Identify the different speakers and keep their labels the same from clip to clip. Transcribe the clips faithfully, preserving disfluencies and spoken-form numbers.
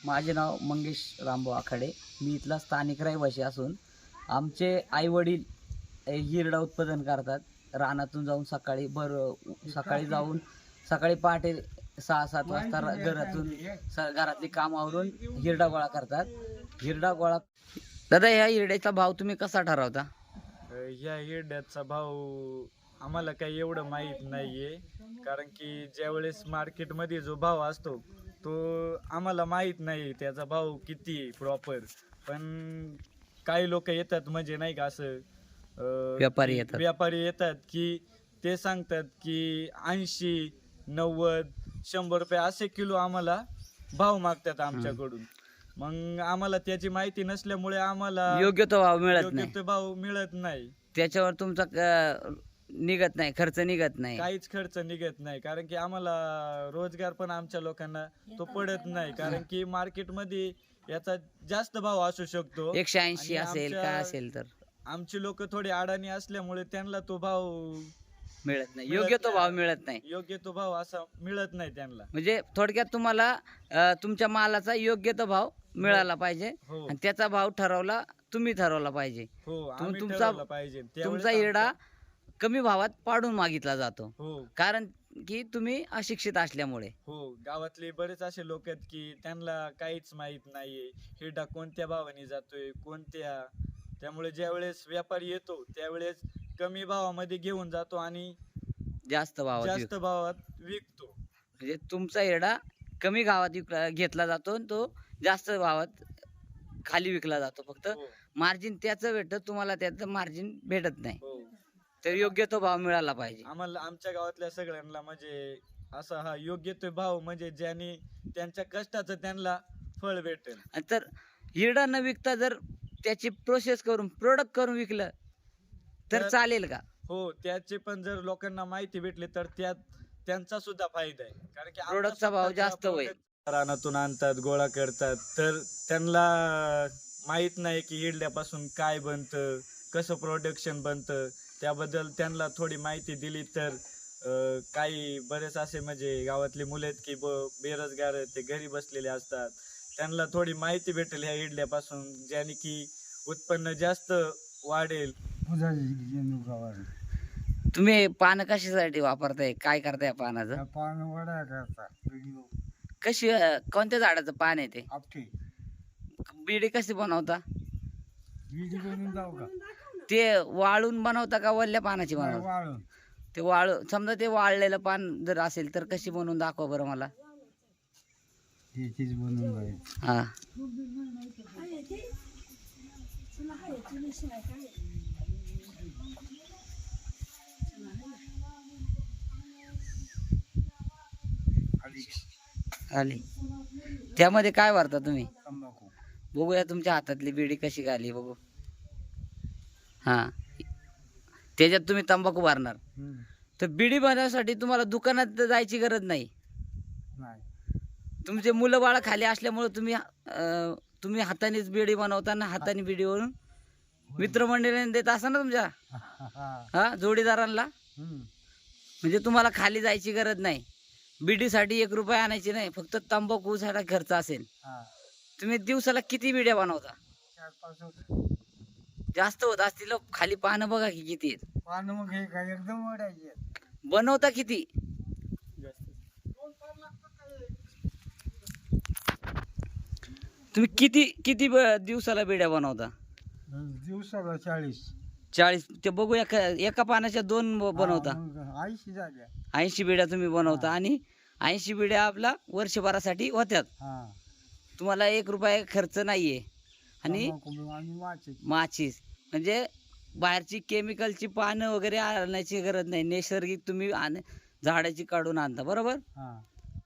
Speaker 1: माझे नाव मंगेश रामभाऊ आखाडे. मी इथला स्थानिक रहिवासी असून आमचे आईवडील हिरडा उत्पादन करतात. रानातून जाऊन सकाळी भर सकाळी जाऊन सकाळी पहाटे सहा सात वाजता घरातून घरातली काम आवरून हिरडा गोळा करतात. हिरडा गोळा दादा, ह्या हिरड्याचा भाव तुम्ही कसा ठरवता?
Speaker 2: ह्या हिरड्याचा भाव आम्हाला काही एवढं माहीत नाहीये, कारण की ज्यावेळेस मार्केटमध्ये जो भाव असतो तो आम्हाला माहीत नाही त्याचा भाव किती प्रॉपर. पण काही लोक येतात म्हणजे नाही का असं अं,
Speaker 1: व्यापारी येतात
Speaker 2: व्यापारी येतात की ते सांगतात की ऐंशी नव्वद शंभर रुपये असे किलो आम्हाला भाव मागतात आमच्याकडून. मग आम्हाला त्याची माहिती नसल्यामुळे आम्हाला
Speaker 1: योग्य तो भाव मिळत
Speaker 2: योग्य
Speaker 1: नाही.
Speaker 2: तो भाव मिळत नाही.
Speaker 1: त्याच्यावर तुमचा अं, निघत नाही, खर्च निघत नाही.
Speaker 2: काहीच खर्च निघत नाही, कारण की आम्हाला रोजगार पण आमच्या लोकांना तो पडत नाही, कारण की मार्केटमध्ये याचा जास्त भाव असू शकतो.
Speaker 1: एकशे ऐंशी
Speaker 2: आणि
Speaker 1: असेल
Speaker 2: आमच्या-
Speaker 1: काय असेल तर
Speaker 2: आमची लोक थोडी अडाणी असल्यामुळे त्यांना तो भाव
Speaker 1: मिळत नाही,
Speaker 2: मिळत
Speaker 1: योग्य तो
Speaker 2: नाही.
Speaker 1: भाव मिळत नाही.
Speaker 2: योग्य तो भाव असा मिळत नाही त्यांना.
Speaker 1: म्हणजे थोडक्यात तुम्हाला अं, तुमच्या मालाचा योग्य तो भाव मिळाला पाहिजे
Speaker 2: हो
Speaker 1: आणि त्याचा भाव ठरवला तुम्ही ठरवला पाहिजे.
Speaker 2: हो आम्ही
Speaker 1: तुमचा-
Speaker 2: ठरवलं पाहिजे. त्यावेळेस
Speaker 1: तुमचा हिरडा
Speaker 2: आमचा-
Speaker 1: कमी भावात पाडून मागितला जातो,
Speaker 2: हो
Speaker 1: कारण की तुम्ही अशिक्षित असल्यामुळे.
Speaker 2: हो गावातले बरेच असे लोक आहेत की त्यांना काहीच माहित नाहीये हिरडा कोणत्या भावाने जातोय कोणत्या. त्यामुळे ज्यावेळेस व्यापारी येतो त्यावेळेस कमी भावामध्ये घेऊन जातो आणि
Speaker 1: जास्त भावात
Speaker 2: जास्त
Speaker 1: विक-
Speaker 2: भावात विकतो.
Speaker 1: म्हणजे तुमचा हिरडा कमी गावात विकला घेतला जातो आणि तो जास्त भावात खाली विकला जातो. फक्त
Speaker 2: हो
Speaker 1: मार्जिन त्याचं भेटतं, तुम्हाला त्याचं मार्जिन भेटत नाही.
Speaker 2: हो
Speaker 1: तर योग्य तो भाव मिळाला पाहिजे.
Speaker 2: आम्हाला आमच्या गावातल्या सगळ्यांना म्हणजे असा हा योग्य तो भाव म्हणजे ज्याने त्यांच्या कष्टाचं त्यांना फळ भेटेल.
Speaker 1: आणि तर हिरडा न विकता जर त्याची प्रोसेस करून प्रोडक्ट करून विकलं तर
Speaker 2: तर-
Speaker 1: चालेल का?
Speaker 2: हो त्याचे पण जर लोकांना माहिती भेटली तर त्यात त्यांचा सुद्धा फायदा आहे, कारण की आमचा
Speaker 1: प्रोडक्टचा भाव
Speaker 2: स्वतःचा
Speaker 1: जास्त होईल.
Speaker 2: product रानातून आणतात गोळा करतात तर त्यांना माहित नाही की हिरड्यापासून काय बनतं कसं प्रोडक्शन बनतं. त्याबद्दल त्यांना थोडी माहिती दिली तर अं, काही बरेच असे म्हणजे गावातले मुले आहेत की ब बेरोजगार आहेत, ते घरी बसलेले असतात. त्यांना थोडी माहिती भेटेल ह्या इडल्यापासून, ज्याने की उत्पन्न जास्त वाढेल.
Speaker 1: तुम्ही पान कशासाठी वापरताय, काय करताय पानाचं?
Speaker 3: पान वड्या करता व्हिडिओ
Speaker 1: कशी अं, कोणत्या झाडाचं पान आहे ते?
Speaker 3: आपटे
Speaker 1: बिडी कशी बनवता?
Speaker 3: व्हिडिओ बनवून जाऊ का
Speaker 1: ते वाळून बनवता का वल्ल्या पानाची बनवता?
Speaker 3: वाळून
Speaker 1: ते वाळू समजा ते वाळलेलं पान जर असेल तर कशी बनवून दाखवा बरं मला.
Speaker 3: त्याचीच बनवून जायचं.
Speaker 1: हा आली. त्यामध्ये काय भरता तुम्ही?
Speaker 3: तंबाखू
Speaker 1: बघूया तुमच्या हातातली बिडी कशी घाली बघू. हा त्याच्यात तुम्ही तंबाखू भरणार.
Speaker 3: हम्म.
Speaker 1: तर बिडी बनवण्यासाठी तुम्हाला दुकानात जायची गरज नाही.
Speaker 3: नाही
Speaker 1: तुमचे मुलं बाळ खाली असल्यामुळे तुम्ही अं, तुम्ही हातानेच बिडी बनवताना हाताने बिडीवरून मित्रमंडळीने देत असा ना तुमच्या हा जोडीदारांना.
Speaker 3: हम्म.
Speaker 1: म्हणजे तुम्हाला खाली जायची गरज नाही. बिडीसाठी एक रुपया आणायची नाही, फक्त तंबाखूसाठी खर्च असेल.
Speaker 3: हा.
Speaker 1: तुम्ही दिवसाला किती बिड्या बनवता?
Speaker 3: चार पाच होत.
Speaker 1: जास्त होत असतील हो. खाली पानं बघा की किती आहेत.
Speaker 3: पान मग हे काय एकदम वडायचे.
Speaker 1: बनवता किती? तुम्ही किती किती ब- दिवसाला बिड्या बनवता?
Speaker 3: दिवसाला चाळीस
Speaker 1: चाळीस. ते बघू एका एका पानाच्या दोन ब- बनवता.
Speaker 3: ऐंशी झाल्या.
Speaker 1: ऐंशी बिड्या तुम्ही बनवता आणि ऐंशी बिड्या आपला वर्षभरासाठी होत्यात.
Speaker 3: हा
Speaker 1: तुम्हाला एक रुपया खर्च नाहीये. आणि
Speaker 3: तंबाखू आणि माचीस.
Speaker 1: माचीस म्हणजे बाहेरची केमिकलची पानं वगैरे आणायची गरज नाही. नैसर्गिक तुम्ही आण झाडाची काढून आणता, बरोबर?
Speaker 3: हा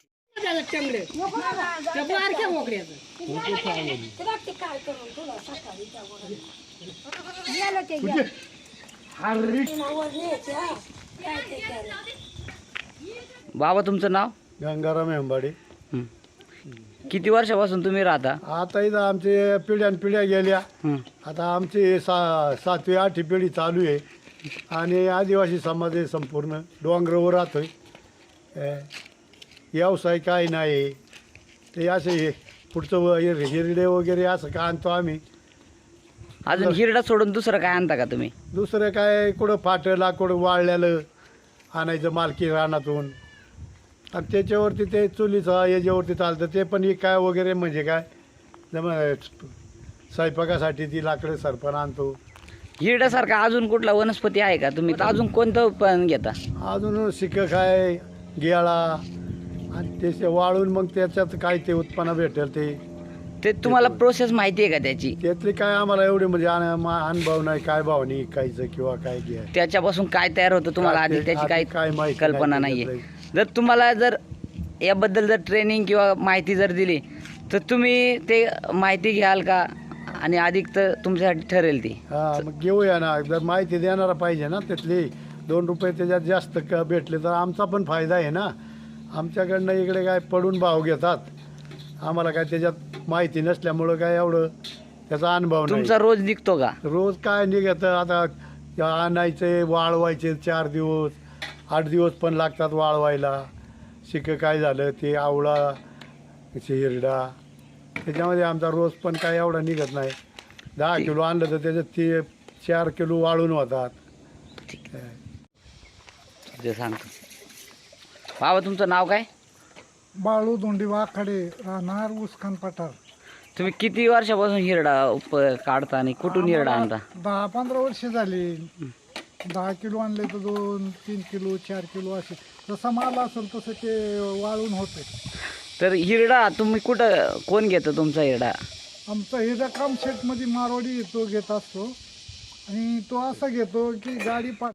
Speaker 1: बाबा तुमचं नाव?
Speaker 4: गंगाराम हेंबाडे.
Speaker 1: हं. किती वर्षापासून तुम्ही राहता?
Speaker 4: आता इथं आमचे पिढ्यान पिढ्या गेल्या.
Speaker 1: हं.
Speaker 4: आता आमची सा सातवी आठवी पिढी चालू आहे आणि आदिवासी समाज आहे संपूर्ण. डोंगरावर राहतोय. अ, व्यवसाय काय नाही ते असे पुढचं व- हिर- हिरडे वगैरे असं का आणतो आम्ही.
Speaker 1: अजून हिरडा सोडून दुसरं काय आणता का तुम्ही?
Speaker 4: दुसरं काय कुठं फाटं लाकूड वाळलेलं आणायचं मालकी रानातून, आणि त्याच्यावरती ते चुलीचं याच्यावरती चालतं ते पण हे काय वगैरे म्हणजे काय जम स्वयंपाकासाठी ती लाकडं सरपण आणतो.
Speaker 1: हिरड्यासारखा अजून कुठला वनस्पती आहे का तुम्ही अजून कोणतं पण घेता?
Speaker 4: अजून शिकं काय गेळा आणि ते वाळून मग त्याच्यात काय ते उत्पन्न भेटेल ते
Speaker 1: ते तुम्हाला प्रोसेस माहिती आहे का त्याची?
Speaker 4: त्यातली काय आम्हाला एवढे म्हणजे अन- मा- अनुभव नाही काय भावनी कायचं किंवा काय घ्या
Speaker 1: त्याच्यापासून काय तयार होतं तुम्हाला आधी त्याची
Speaker 4: आधी
Speaker 1: काही
Speaker 4: काय माहिती
Speaker 1: कल्पना
Speaker 4: नाही
Speaker 1: नाहीये.
Speaker 4: त्यातलं.
Speaker 1: जर तुम्हाला जर याबद्दल जर ट्रेनिंग किंवा माहिती जर दिली तर तुम्ही ते माहिती घ्याल का आणि अधिक तर तुमच्यासाठी ठरेल ती?
Speaker 4: हा मग घेऊया ना, जर माहिती देणारा पाहिजे ना त्यातली. दोन रुपये त्याच्यात जास्त क- भेटले तर आमचा पण फायदा आहे ना. आमच्याकडनं इकडे काय पडून भाव घेतात, आम्हाला काय त्याच्यात माहिती नसल्यामुळं काय एवढं त्याचा अनुभव नाही.
Speaker 1: तुमचा रोज निघतो का?
Speaker 4: रोज काय निघतं आता आणायचे वाळवायचे चार दिवस आठ दिवस पण लागतात वाळवायला. शिकं काय झालं ते आवळा हिरडा त्याच्यामध्ये आमचा रोज पण काय एवढा निघत नाही. दहा किलो आणलं तर त्याच्यात ते चार किलो वाळून होतात.
Speaker 1: जे सांगतो. बाबा तुमचं नाव काय?
Speaker 3: बाळू दोंडी वाकडे, राहणार उसखान पठार.
Speaker 1: तुम्ही किती वर्षापासून हिरडा उप काढता आणि कुठून हिरडा आणता?
Speaker 3: दहा पंधरा वर्ष झाली. दहा किलो आणले तर दोन तीन किलो चार किलो असे जसा माल असेल तसं ते वाळून होते.
Speaker 1: तर हिरडा तुम्ही कुठं कोण घेतं तुमचा हिरडा?
Speaker 3: आमचा हिरा काम शेटमध्ये मारवाडी तो घेत असतो आणि तो असा घेतो की गाडी पा